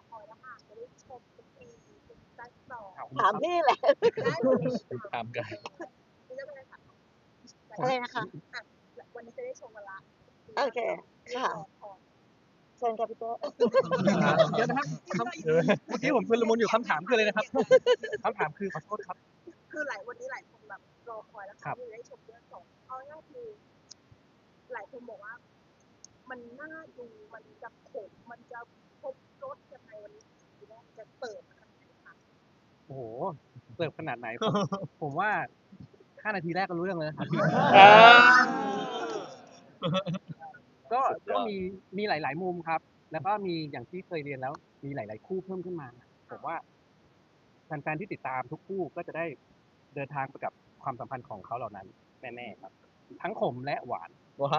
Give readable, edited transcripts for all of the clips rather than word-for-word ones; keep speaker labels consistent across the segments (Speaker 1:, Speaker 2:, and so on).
Speaker 1: คอยแล้วค่ะจะได้ชมทุกปีซีซั่นสอง
Speaker 2: ถามพี่แหละ
Speaker 1: ได้เลย
Speaker 3: ตามกัน
Speaker 1: นี่ก็เลยค่ะ
Speaker 2: อะไรนะคะ
Speaker 1: อ่ะวันนี้จะได้ชมกันละ
Speaker 2: โอเค ค่ะ เชิญค่ะพี่โต้
Speaker 4: เดี๋ยวนะครับเมื่อกี้ผมชุลมุนอยู่คำถามคืออะไรนะครับคำถามคือขอโทษครับ
Speaker 1: คือวันนี้หลายคนแบบรอคอยแล้วค่ะที่จะได้ชมเรื่องสองเอาง่ายๆคือหลายคนบอกว่า มันน่าดูมันจะขมมันจะครบรสยังไงวันนี้ทีแรกจะเปิดขนาดไหนคะ
Speaker 4: โอ้โหเสิร์ฟขนาดไหน ผมว่า5 นาทีแรกก็รู้เรื่องเลยนะครับก็มีหลาย ๆ มุมครับ แล้วก็มีอย่างที่เคยเรียนแล้ว มีหลาย ๆ คู่เพิ่มขึ้นมา ผมว่าแฟน ๆ ที่ติดตามทุกคู่ก็จะได้เดินทางไปกับความสัมพันธ์ของเขาเหล่านั้นแน่ ๆ ครับ ทั้งขมและหวาน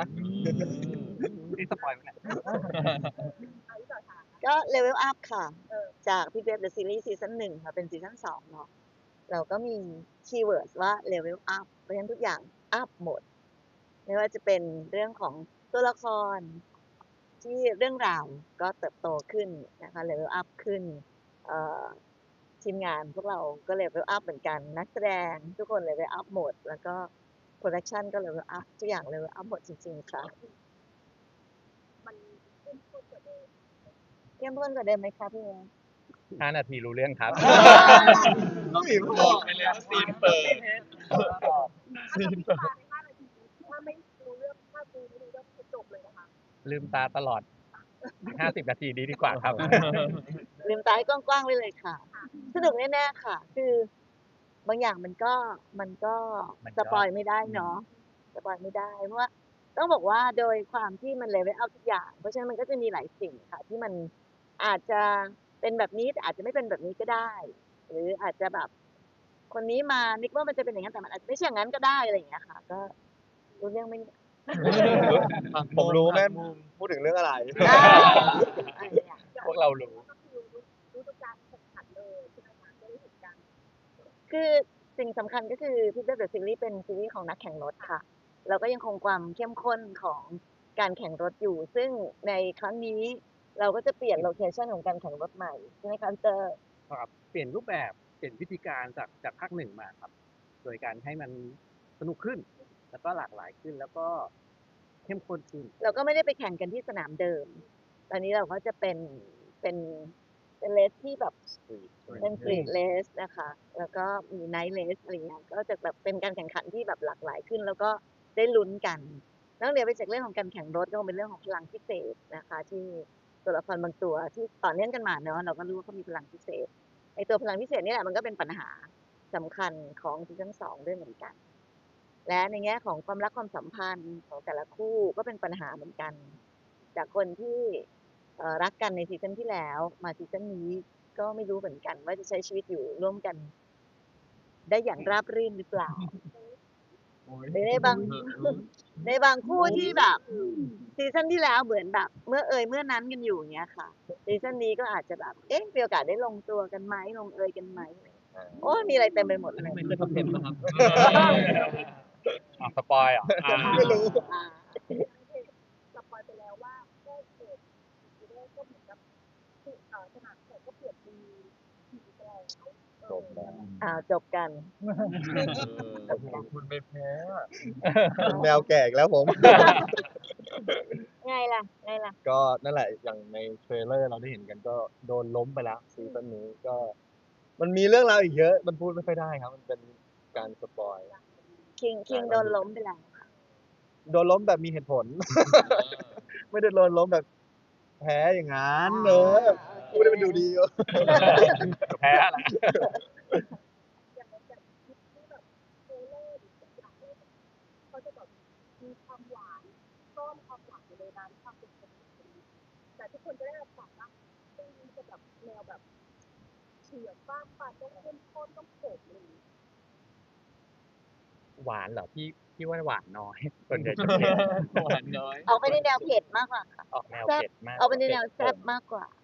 Speaker 4: นี่สปอยล์ไหมเนี่ย
Speaker 1: เอาที่ต่อค่ะ
Speaker 2: ก็เลเวลอัพค่ะ
Speaker 1: เออ
Speaker 2: จากพี่เบฟเดอะซีรีส์ซีซั่น1ค่ะเป็นซีซั่น2เนาะเราก็มีคีย์เวิร์ดว่าเลเวลอัพเพราะฉะนั้นทุกอย่างอัพหมด ไม่ว่าจะเป็นเรื่องของตัวละคร ที่เรื่องราวก็เติบโตขึ้นนะคะเลเวลอัพขึ้นเอ่อทีมงานพวกเราก็เลเวลอัพเหมือนกัน นักแสดงทุกคนเลเวลอัพหมด แล้วก็โปรดักชันก็เลเวลอัพทุกอย่างเลเวลอัพหมดจริงๆค่ะ
Speaker 1: มันเข้มข้นกว่าเดิม
Speaker 2: เข้มข้นกว่าเดิมไหมคะพี่เอ๋
Speaker 3: 5 นาทีรู้เรื่องครับ
Speaker 5: ต้องมี
Speaker 3: บอกไปแล้วซีนเปิด
Speaker 1: ถ้าจะพิจารณาใน5 นาทีถ้าไม่รู้เรื่องถ้าดูไม่รู้เรื่องคือจบเลยนะคะ
Speaker 3: ลืมตาตลอด 50 นาทีดีกว่าครับ
Speaker 2: ลืมตาให้กว้างๆไว้เลยค่ะ สนุกแน่ๆค่ะ คือบางอย่างมันก็
Speaker 3: มันก็
Speaker 2: สปอยไม่ได้เนาะสปอยไม่ได้ เพราะว่าต้องบอกว่าโดยความที่มันเลเวลอัพทุกอย่าง เพราะฉะนั้นมันก็จะมีหลายสิ่งค่ะ ที่มันอาจจะเป็นแบบนี้แต่อาจจะไม่เป็นแบบนี้ก็ได้ หรืออาจจะแบบ คนนี้มานึกว่ามันจะเป็นอย่างนั้นแต่มันอาจจะไม่ใช่อย่างนั้นก็ได้อะไรอย่างเงี้ยค่ะ ก็รู้เรื่องไหมเนี่ย
Speaker 5: ผมรู้แม่พูดถึงเรื่องอะไร
Speaker 2: อะไรเนี่ย
Speaker 3: พวกเรารู้
Speaker 1: ก็คือรู้ทุกการแข่งขันเลยใช่ไหมคะจะได้เห็นกัน
Speaker 2: คือสิ่งสำคัญก็คือพี่เบฟเดอะซีรีส์เป็นซีรีส์ของนักแข่งรถค่ะ เราก็ยังคงความเข้มข้นของการแข่งรถอยู่ ซึ่งในครั้งนี้เราก็จะเปลี่ยนโลเคชันของการแข่งรถใหม่ใช่ไหมคะเจอ
Speaker 4: ครับเปลี่ยนรูปแบบเปลี่ยนวิธีการจากภาค 1 มาครับ โดยการให้มันสนุกขึ้น แล้วก็หลากหลายขึ้น แล้วก็เข้มข้นขึ้น
Speaker 2: เราก็ไม่ได้ไปแข่งกันที่สนามเดิม ตอนนี้เราก็จะเป็นเลสที่แบบเป็นสตรีทเลสนะคะ แล้วก็มีไนท์เลสอะไรเงี้ย ก็จะแบบเป็นการแข่งขันที่แบบหลากหลายขึ้น แล้วก็ได้ลุ้นกันนอกเหนือไปจากเรื่องของการแข่งรถก็คงเป็นเรื่องของพลังพิเศษนะคะ ที่ตัวละครบางตัวที่ต่อเนื่องกันมาเนาะเราก็รู้ว่าเขามีพลังพิเศษไอตัวพลังพิเศษนี่แหละมันก็เป็นปัญหาสำคัญของซีซั่น2ด้วยเหมือนกัน และในแง่ของความรักความสัมพันธ์ของแต่ละคู่ก็เป็นปัญหาเหมือนกัน จากคนที่รักกันในซีซั่นที่แล้วมาซีซั่นนี้ก็ไม่รู้เหมือนกันว่าจะใช้ชีวิตอยู่ร่วมกัน ได้อย่างราบรื่นหรือเปล่าหรือในบางคู่ที่แบบซีซั่นที่แล้วเหมือนแบบเมื่อเมื่อนั้นกันอยู่อย่างเงี้ยค่ะซีซั่นนี้ก็อาจจะแบบมีโอกาสได้ลงตัวกันไหมลงกันไหมโอ้มีอะไรเต็มไปหมดเลย
Speaker 4: ไม่เคยทำเต็มนะครับ
Speaker 3: สปอยเหรอ
Speaker 2: ไม่รู้
Speaker 1: สปอยไปแล้วว่าแค่เกิดทีแรกก็เหมือนกับสนามแข่งก็เปลี่ยนทีไปแล้ว
Speaker 5: จบแล้ว
Speaker 2: จบกัน
Speaker 5: คุณไม่แพ้เป็นแมวแก่อีกแล้วผม
Speaker 2: ไงล่ะ
Speaker 5: ก็นั่นแหละอย่างในเทรลเลอร์เราได้เห็นกันก็โดนล้มไปแล้วซีซั่นนี้ก็ มันมีเรื่องราวอีกเยอะ มันพูดไม่ค่อยได้ครับ มันเป็นการสปอย
Speaker 2: คิงโดนล้มไปแล้ว
Speaker 5: โดนล้มแบบมีเหตุผล ไม่ได้โดนล้มแบบแพ้อย่างนั้นพูดให้มันดูดี
Speaker 3: แพ้แหละ
Speaker 1: อย่างคลิปที่แบบเทรลเลอร์หรือทุกอย่างเลยเขาจะแบบมีความหวานซ่อนความหวานอยู่ในนั้นความเป็นคนแต่ทุกคนจะได้รับความว่ามันจะแบบแนวแบบเฉื่อยฟ้าฟันต้องเข้มข้นต้องโขกเลย
Speaker 3: หวานเหรอพี่ว่าหวานน้อย ส่วนใหญ่จะเผ็ด
Speaker 4: หวานน้อย
Speaker 2: ออกไปในแนวเผ็ดมากกว่าค่ะ
Speaker 3: ออกแนว
Speaker 2: แซ่บ
Speaker 3: เผ็ดมาก
Speaker 2: ออกไปในแนวแซ่บมากกว่า